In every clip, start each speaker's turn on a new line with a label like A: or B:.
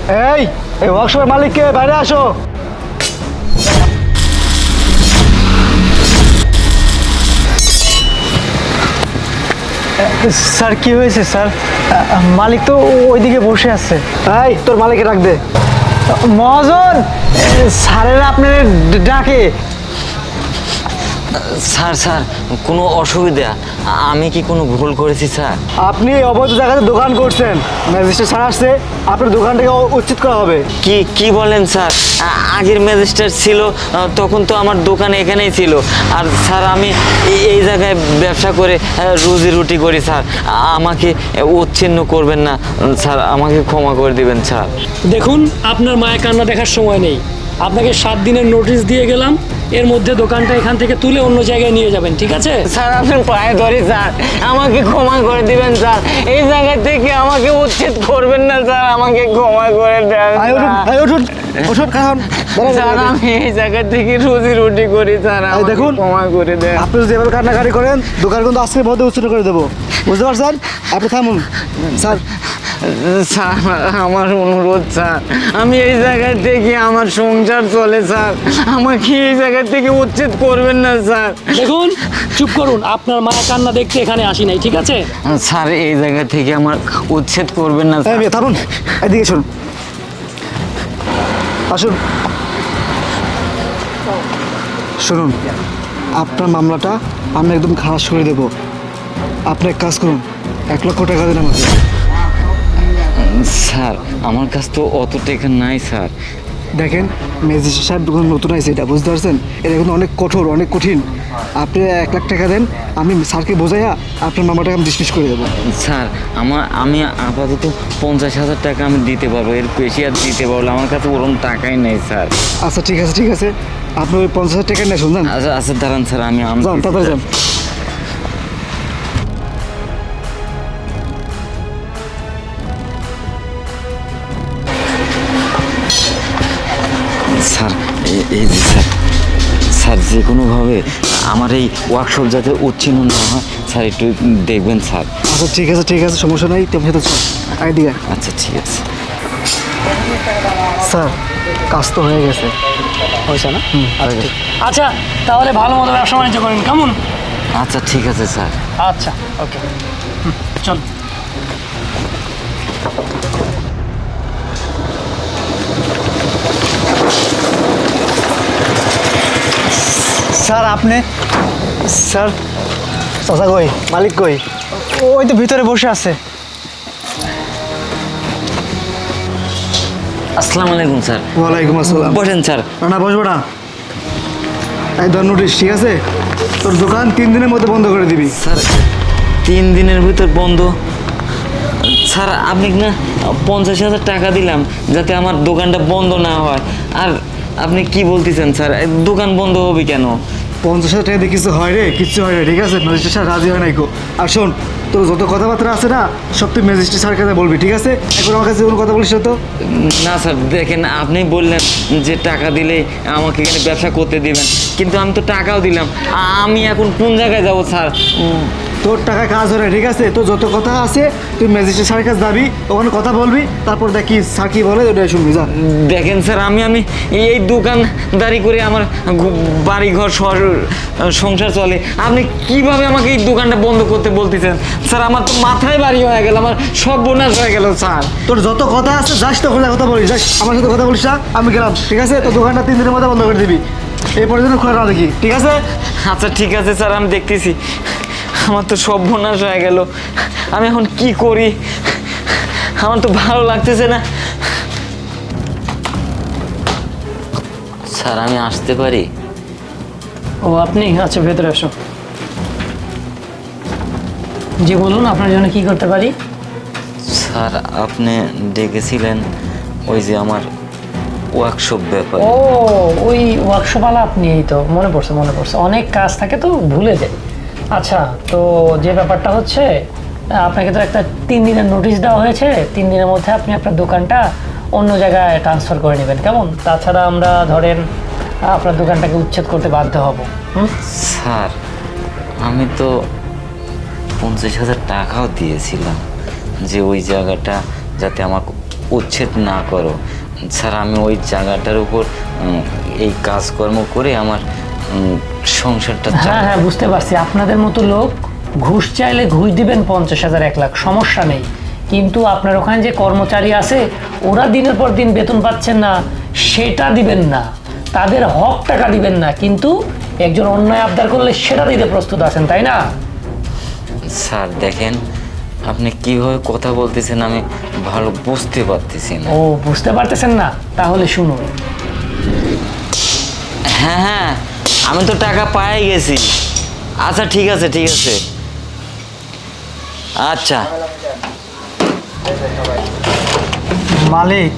A: এই এই ওয়ার্কশপের মালিককে বাইরে আসো। স্যার কি হয়েছে স্যার? মালিক তো ওইদিকে বসে আছে। এই তোর মালিককে ডাক দে। মহাজন, স্যারেরা আপনার ডাকে।
B: স্যার স্যার কোনো অসুবিধা? আমি কি কোনো ভুল করেছি স্যার?
A: আপনি অবৈধ জায়গাতে দোকান করছেন, ম্যাজিস্ট্রেট স্যার আসছে, আপনার দোকানটাকে উচ্ছেদ করা হবে।
B: কি কি বলেন স্যার? আগের ম্যাজিস্ট্রেট ছিল তখন তো আমার দোকান এখানেই ছিল। আর স্যার আমি এই জায়গায় ব্যবসা করে রুজি রুটি করি স্যার। আমাকে উচ্ছিন্ন করবেন না স্যার, আমাকে ক্ষমা করে দিবেন স্যার।
C: দেখুন, আপনার মায়ের কান্না দেখার সময় নেই। আপনাকে 7 দিনের নোটিশ দিয়ে গেলাম, এর মধ্যে দোকানটা এখান থেকে তুলে অন্য জায়গায় নিয়ে যাবেন, ঠিক আছে?
B: স্যার আপনার পায়ে ধরি স্যার, আমাকে ক্ষমা করে দিবেন স্যার। এই জায়গা থেকে আমাকে উচ্ছেদ করবেন না স্যার, আমাকে ক্ষমা করে দেন স্যার। আমি এই জায়গা থেকে রুজি রুটি করি স্যার, আমাকে
A: দেখুন,
B: ক্ষমা করে দেন।
A: আপনি যদি এভাবে কান্নাকাটি করেন, দোকান কিন্তু আজকের মধ্যে উচ্ছেদ করে দেবো, বুঝতে পারছেন? আপনি থামুন স্যার।
B: স্যার আমার অনুরোধ স্যার, আমি এই জায়গা থেকে আমার সংসার চলে স্যার, আমাকে এই জায়গা থেকে উচ্ছেদ করবেন না স্যার।
C: দেখুন, চুপ করুন, আপনার মায়ের কান্না দেখতে এখানে আসি নাই, ঠিক আছে?
B: স্যার এই জায়গা থেকে আমার উচ্ছেদ করবেন না স্যার।
A: থামুন, এদিকে শুনুন, আসুন শুনুন। আপনার মামলাটা আমি একদম খালাস করে দেবো। আপনি এক কাজ করুন, 1 লক্ষ টাকা দিন আমাকে।
B: স্যার আমার কাছে তো অত টাকা নাই স্যার।
A: দেখেন, ম্যাজিস্ট্রেট সাহেব দোকান নতুন আছে, এটা বুঝতে পারছেন? এটা কিন্তু অনেক কঠোর, অনেক কঠিন। আপনি 1 লাখ টাকা দেন, আমি স্যারকে বোঝাইয়া আপনার মামলাটাকে আমি ডিসমিস করে দেবো।
B: স্যার আমি আপাতত 50,000 টাকা আমি দিতে পারবো, এর বেশি আর দিতে পারবো না। আমার কাছে ওরকম টাকাই নেই স্যার।
A: আচ্ছা ঠিক আছে, ঠিক আছে, আপনি ওই 50,000 টাকা নিয়ে শুনছেন।
B: আচ্ছা আচ্ছা দাঁড়ান স্যার, আমি
A: যান, তাড়াতাড়ি যান।
B: স্যার এই যে স্যার, স্যার যে কোনোভাবে আমার এই ওয়ার্কশপ যাতে উচ্ছিন্ন না হয় স্যার, একটু দেখবেন স্যার।
A: আচ্ছা ঠিক আছে, ঠিক আছে, সমস্যা নাই, তুমি সাথে আইডিয়া।
B: আচ্ছা ঠিক আছে
A: স্যার, কাজ তো হয়ে গেছে।
C: হয়েছে না?
A: হয়ে গেছে।
C: আচ্ছা, তাহলে ভালো মতো ব্যবসা বাণিজ্য করেন, কেমন?
B: আচ্ছা ঠিক আছে স্যার।
C: আচ্ছা, ওকে, চল।
A: স্যার আপনি, স্যার চাচা কই, মালিক কই? ওই তো ভিতরে বসে আছে।
B: আসসালামু আলাইকুম স্যার।
A: ওয়ালাইকুম আসসালাম।
B: বসেন স্যার।
A: না বসবো না, এই ধর নোটিশ, ঠিক আছে? তোর দোকান 3 দিনের মধ্যে বন্ধ করে দিবি।
B: স্যার 3 দিনের ভিতর বন্ধ? স্যার আপনি না 50,000 টাকা দিলাম যাতে আমার দোকানটা বন্ধ না হয়, আর আপনি কি বলতেছেন স্যার, দোকান বন্ধ হবে কেন?
A: 50,000 টাকা দিয়ে কিছু হয় রে? কিচ্ছু হয় না, ঠিক আছে? ম্যাজিস্ট্রেট স্যার রাজি হয় নাই গো। আর শোন, তোর যত কথাবার্তা আছে না, সব তুই ম্যাজিস্ট্রেট স্যারের কাছে বলবি, ঠিক আছে? এখন আমার কাছে কোনো কথা বলিস না তো।
B: না স্যার দেখেন, আপনি বললেন যে টাকা দিলে আমাকে এখানে ব্যবসা করতে দিবেন, কিন্তু আমি তো টাকাও দিলাম। আমি এখন কোন জায়গায় যাব স্যার?
A: তোর টাকা কাজ হয় না, ঠিক আছে? তোর যত কথা আছে তুই ম্যাজিস্ট্রেট স্যারের কাছে যাবি, ওখানে কথা বলবি, তারপর দেখি স্যার কি বলে ওটা শুনবি, যা।
B: দেখেন স্যার, আমি এই দোকানদারি করে আমার বাড়ি ঘর সংসার চলে, আপনি কিভাবে আমাকে এই দোকানটা বন্ধ করতে বলতেছেন স্যার? আমার তো মাথায় বাড়ি হয়ে গেল, আমার সব বোনাস হয়ে গেল স্যার।
A: তোর যত কথা আছে যাস, তো ওখানে কথা বলিস, যাস, আমার সাথে কথা বলিস না, আমি গেলাম, ঠিক আছে? তোর দোকানটা 3 দিনের মধ্যে বন্ধ করে দিবি, এই পর্যন্ত খোলা না দেখি, ঠিক আছে?
B: আচ্ছা ঠিক আছে স্যার, আমি দেখতেছি। আমার তো সব বোনাস হয়ে গেল, আমি এখন কি করি? আমার তো ভালো লাগতেছে না। স্যার আমি আসতে পারি?
C: ও আপনি? আচ্ছা, ভেতরে আসো। জি বলুন, আপনার জন্য কি করতে পারি?
B: স্যার আপনি ডেকেছিলেন ওই যে আমার ওয়ার্কশপ ব্যাপার।
C: ও, ওই ওয়ার্কশপওয়ালা আপনি? এই তো মনে পড়ছে, মনে পড়ছে, অনেক কাজ থাকে তো ভুলে যাই। আচ্ছা, তো যে ব্যাপারটা হচ্ছে, আপনাকে তো একটা 3 দিনের নোটিশ দেওয়া হয়েছে। 3 দিনের মধ্যে আপনি আপনার দোকানটা অন্য জায়গায় ট্রান্সফার করে নেবেন, কেমন? তাছাড়া আমরা ধরেন আপনার দোকানটাকে উচ্ছেদ করতে বাধ্য হব।
B: স্যার আমি তো 50,000 টাকাও দিয়েছিলাম যে ওই জায়গাটা যাতে আমার উচ্ছেদ না করো। স্যার আমি ওই জায়গাটার উপর এই কাজকর্ম করে আমার সংসারটা
C: হ্যাঁ হ্যাঁ, বুঝতে পারছি। আপনাদের মতো লোক ঘুষ চাইলে ঘুষ দিবেন 50,000 1 লাখ, সমস্যা নেই। কিন্তু আপনার ওখানে যে কর্মচারী আছে ওরা দিনের পর দিন বেতন পাচ্ছেন না, সেটা দিবেন না। তাদের হক টাকা দিবেন না, কিন্তু একজন অন্যায় আবদার করলে সেটা দিতে প্রস্তুত আছেন, তাই না?
B: স্যার দেখেন আপনি কিভাবে কথা বলতেছেন আমি ভালো বুঝতে পারতেছি না।
C: ও, বুঝতে পারতেছেন না? তাহলে শুনুন।
B: হ্যাঁ হ্যাঁ, আমি তো টাকা পাই গেছি। আচ্ছা ঠিক আছে ঠিক আছে। আচ্ছা
D: মালিক,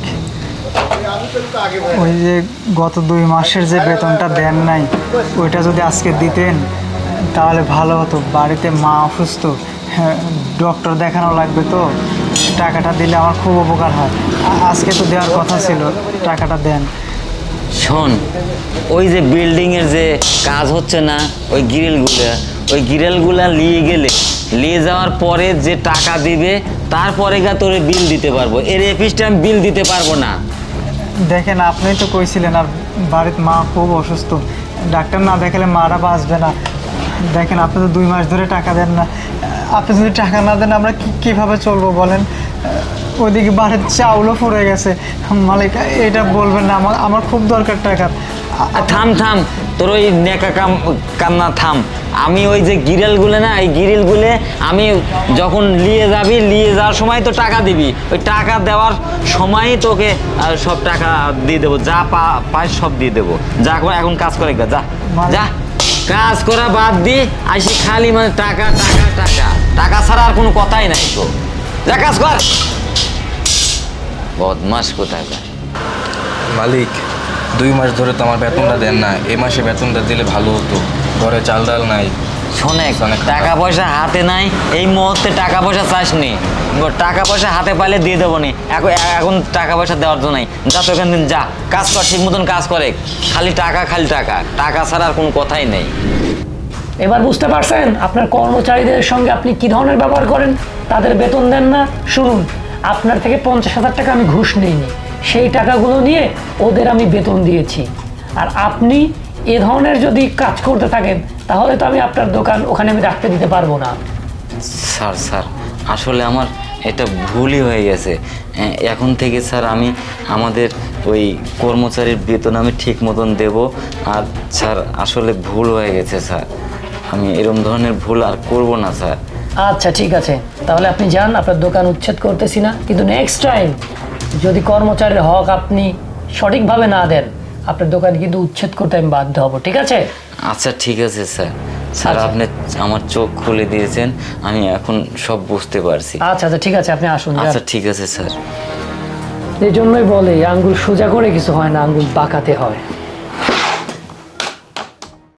D: ওই যে গত 2 মাসের যে বেতনটা দেন নাই, ওইটা যদি আজকে দিতেন তাহলে ভালো হতো। বাড়িতে মা অসুস্থ, হ্যাঁ, ডক্টর দেখানো লাগবে, তো টাকাটা দিলে আমার খুব উপকার হয়। আজকে তো দেওয়ার কথা ছিল, টাকাটা দেন।
B: শোন, ওই যে বিল্ডিংয়ের যে কাজ হচ্ছে না, ওই গ্রিলগুলা নিয়ে যাওয়ার পরে যে টাকা দিবে তারপরে গা তোরে বিল দিতে পারবো। এর এপিসটা আমি বিল দিতে পারবো না।
D: দেখেন, আপনি তো কইছিলেন আর বাড়িতে মা খুব অসুস্থ, ডাক্তার না দেখালে মারা বাঁচবে না। দেখেন, আপনি তো 2 মাস ধরে টাকা দেন না। আপনি যদি টাকা না দেন আমরা কীভাবে চলবো বলেন? ওইদিকে বাড়ির চাউলও পড়ে গেছে। মালিক, এটা বলবেন না, আমার খুব দরকার টাকা।
B: থাম থাম, তোর ওই নেকা কান্না থাম। আমি ওই যে গ্রিলগুলো না, এই গ্রিলগুলো আমি যখন নিয়ে যাওয়ার সময় তো টাকা দিবি, ওই টাকা দেওয়ার সময়ই তোকে সব টাকা দিয়ে দেবো। যা পাই সব দিয়ে দেবো। যা করে এখন কাজ করে যা যা, কাজ করা বাদ দি আসি খালি মানে টাকা টাকা টাকা টাকা ছাড়া আর কোনো কথাই নাই তো। যা কাজ কর, বদমাস কোথায়।
E: মালিক, 2 মাস ধরে তো আমার বেতনটা দেন না। এই মাসে বেতনটা দিলে ভালো হতো। ঘরে চাল ডাল নাই।
B: শোনে, টাকা পয়সা হাতে নাই, এই মুহূর্তে টাকা পয়সা চাসনি। টাকা পয়সা হাতে পাইলে দিয়ে দেবো নি, এখন টাকা পয়সা দেওয়ার জন্য নাই। যা তো এখান দিন যা, কাজ কর, ঠিক মতন কাজ করে। খালি টাকা টাকা ছাড়া আর কোনো কথাই নেই।
C: এবার বুঝতে পারছেন আপনার কর্মচারীদের সঙ্গে আপনি কি ধরনের ব্যবহার করেন? তাদের বেতন দেন না। শুনুন, আপনার থেকে 50,000 টাকা আমি ঘুষ নিইনি, সেই টাকাগুলো নিয়ে ওদের আমি বেতন দিয়েছি। আর আপনি এ ধরনের যদি কাজ করতে থাকেন তাহলে তো আমি আপনার দোকান ওখানে আমি রাখতে দিতে পারবো না।
B: স্যার আসলে আমার এটা ভুলই হয়ে গেছে। এখন থেকে স্যার আমি আমাদের ওই কর্মচারীর বেতন আমি ঠিক মতন দেবো। আর স্যার আসলে ভুল হয়ে গেছে স্যার, আমি এরকম ধরনের ভুল আর করব না স্যার।
C: আচ্ছা ঠিক আছে, তাহলে আপনি যান, আপনার দোকান উচ্ছেদ করতেছি না, কিন্তু নেক্সট টাইম যদি কর্মচারীর হক আপনি সঠিকভাবে না দেন আপনার দোকান কিন্তু উচ্ছেদ করতে আমি বাধ্য হব, ঠিক আছে?
B: আচ্ছা ঠিক আছে স্যার। স্যার
C: আচ্ছা।
B: আপনি আমার চোখ খুলে দিয়েছেন, আমি এখন সব বুঝতে পারছি।
C: আচ্ছা আচ্ছা ঠিক আছে, আপনি আসুন।
B: আচ্ছা ঠিক আছে স্যার।
C: এই জন্যই বলে আঙ্গুল সোজা করে কিছু হয় না, আঙ্গুল বাঁকাতে হয়।